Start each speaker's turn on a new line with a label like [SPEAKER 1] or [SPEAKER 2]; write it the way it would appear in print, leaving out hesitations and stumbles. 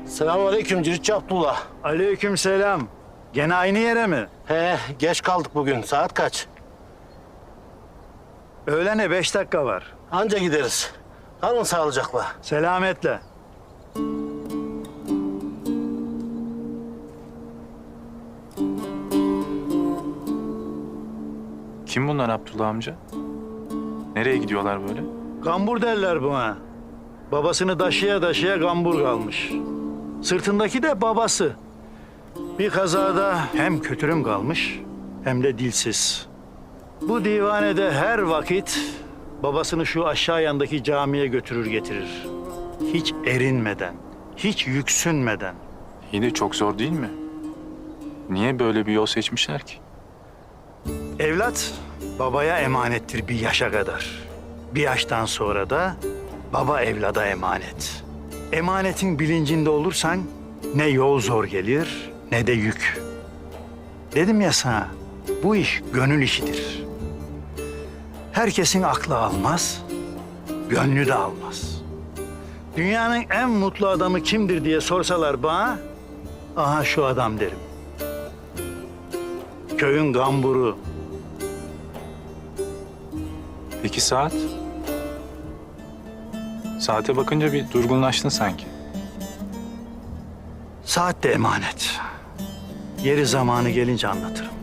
[SPEAKER 1] Selamünaleyküm Ciritçi Abdullah.
[SPEAKER 2] Aleykümselam. Gene aynı yere mi?
[SPEAKER 1] He, geç kaldık bugün. Saat kaç?
[SPEAKER 2] Öğlene 5 dakika var.
[SPEAKER 1] Anca gideriz. Kalın sağlıcakla.
[SPEAKER 2] Selametle.
[SPEAKER 3] Kim bunlar Abdullah amca? Nereye gidiyorlar böyle?
[SPEAKER 2] Gambur derler buna. Babasını taşıya taşıya gambur kalmış. Sırtındaki de babası. Bir kazada hem kötürüm kalmış hem de dilsiz. Bu divanede her vakit babasını şu aşağı yandaki camiye götürür getirir. Hiç erinmeden, hiç yüksünmeden.
[SPEAKER 3] İyi de çok zor değil mi? Niye böyle bir yol seçmişler ki?
[SPEAKER 2] Evlat babaya emanettir bir yaşa kadar. Bir yaştan sonra da baba evlada emanet. Emanetin bilincinde olursan ne yol zor gelir ne de yük. Dedim ya sana, bu iş gönül işidir. Herkesin aklı almaz, gönlü de almaz. Dünyanın en mutlu adamı kimdir diye sorsalar bana, aha şu adam derim. Köyün gamburu.
[SPEAKER 3] Peki saat? Saate bakınca bir durgunlaştın sanki.
[SPEAKER 2] Saat de emanet. Yeri zamanı gelince anlatırım.